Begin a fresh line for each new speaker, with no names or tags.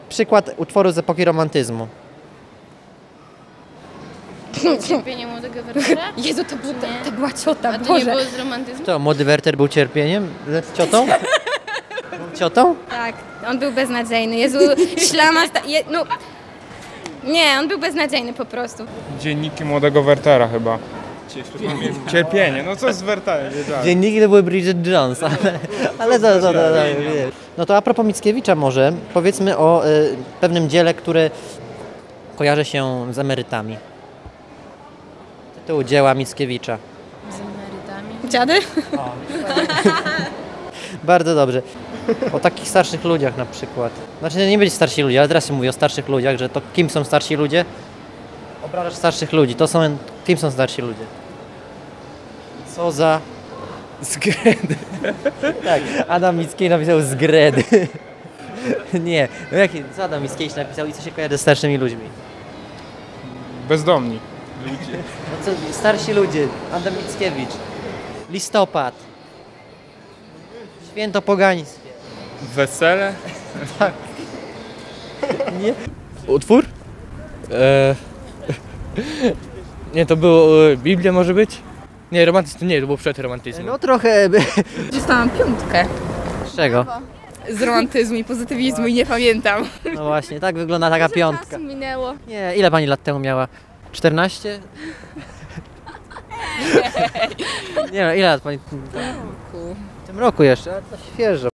przykład utworu z epoki romantyzmu.
Cierpienie młodego Wertera?
Jezu, to była ciota,
A to nie było z romantyzmu?
To młody Werter był cierpieniem? Z ciotą? Był ciotą?
Tak, on był beznadziejny. Jezu, ślama... no... Nie, on był beznadziejny po prostu.
Dzienniki młodego Wertera chyba. Cierpienie, no co z Werterem?
Dzienniki to były Bridget Jones, ale to wiesz. No to a propos Mickiewicza może, powiedzmy o pewnym dziele, które kojarzy się z emerytami. Tytuł dzieła Mickiewicza.
Z emerytami?
Dziady?
Bardzo dobrze. O takich starszych ludziach na przykład. Znaczy nie być starsi ludzie, ale teraz się mówi o starszych ludziach, że to kim są starsi ludzie? Obrażasz starszych ludzi, to są, kim są starsi ludzie? Co za...
Zgredy.
Tak, Adam Mickiewicz napisał zgredy. Nie, no co Adam Mickiewicz napisał i co się kojarzy ze starszymi ludźmi?
Bezdomni.
No co, starsi ludzie, Adam Mickiewicz, listopad, święto pogańskie.
Wesele?
Nie?
Utwór? Nie, to było Biblia może być? Nie, romantyzm, nie, to było przed romantyzmem.
No trochę...
Dostałam 5
Z czego?
z romantyzmu i pozytywizmu i nie pamiętam.
No właśnie, tak wygląda taka piątka.
Czasu minęło.
Nie, ile pani lat temu miała? 14? Nie no, ile lat pani... W tym roku jeszcze, ale to świeżo.